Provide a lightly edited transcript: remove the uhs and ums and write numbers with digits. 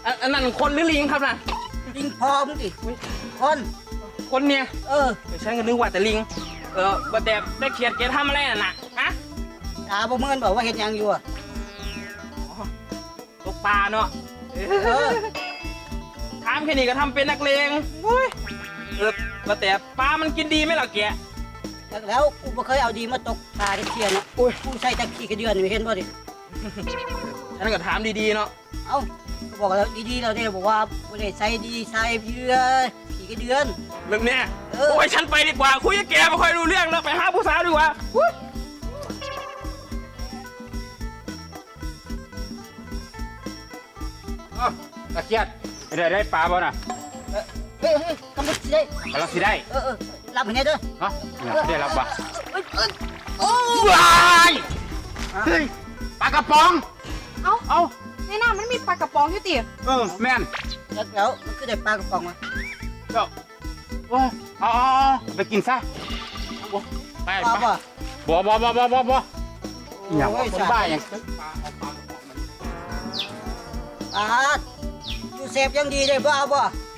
อันนั้นคนหรือลิงครับน่ะลิงพอมึงดิคนคนเนี่ย ฉันก็นึกว่าแต่ลิงว่าแต่ได้เขียดแกทำอะไรน่ะฮะตาบ่เมินบอกว่าเห็นยังอยู่อ่ะตกปลาเนาะถามแค่นี้ก็ทำเป็นนักเลงว่าแต่ปลามันกินดีไหมล่ะแกแล้วกูบ่เคยเอาดีมาตกปลาเทียนอ่ะกูใส่ตะขี้กระเดือนเห็นบ่ดิฉันก็ถามดีๆเนาะเอ้าบอกแล้วดีๆเราเนี่ยบอกว่าบ่ได้ใส่ดีใส่เพื่อขี้กระเดือนเรื่องเนี้ยโอ้ยฉันไปดีกว่าคุยกับแกไม่ค่อยรู้เรื่องแล้วไปหาผู้สาวดีกว่าตะเกียดได้ปลาบ่น่ะเฮ้ยกำลังสิได้กำลังสิได้รับให้แน่เด้อฮะได้รับบ่โอ้ว้ายเฮ้ยปลากระป๋องเอ้าในน้ำมันมีปลากระป๋องอยู่ติแม่นแล้วมันคือได้ปลากระป๋องมาเจ้าเอาไปกินซะไปปลาไปบ่บ่อย่างว่าคนบ้าอย่างปลาอยู่เสพยังดีเลยบ่เอาบ่